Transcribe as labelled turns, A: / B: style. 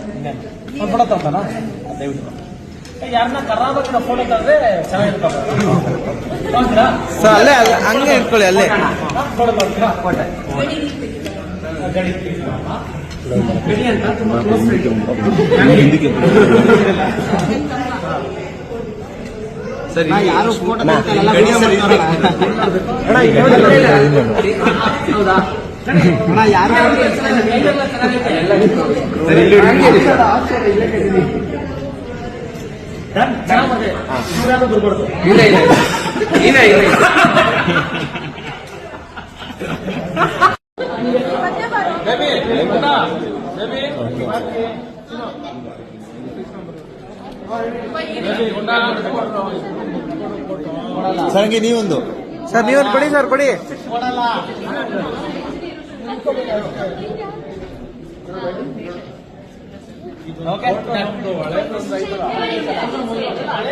A: ಒಂದು ಫೋಟೋ ತಗೋತಾನ ದಯವಿಟ್ಟು ಯಾರನ್ನ ಕರ್ನಾಟಕದ ಫೋಟೋ ತಂದ್ರೆ ಚೆನ್ನಾಗಿರ್ತಾರೆ
B: ಸರ್ ಅಲ್ಲೇ ಹಂಗೆ ಇಟ್ಕೊಳ್ಳಿ ಅಲ್ಲೇ
A: ಫೋಟೋ ತಗೋತೀರಾ ಗಡಿ ಗಡಿ ಅಂತ ತುಂಬಾ ಕ್ಲೋಸ್
B: ಸರಿ
A: ಯಾರು ಫೋಟೋ ಹೌದಾ ಅಣ್ಣ ಯಾರು ಬರ್ಬಾರ್ದು
B: ಸರ್ ನೀವೊಂದು ಸರ್ ನೀವೊಂದು ಕೊಡಿ ಸರ್ ಕೊಡಿ
A: ಓಕೆ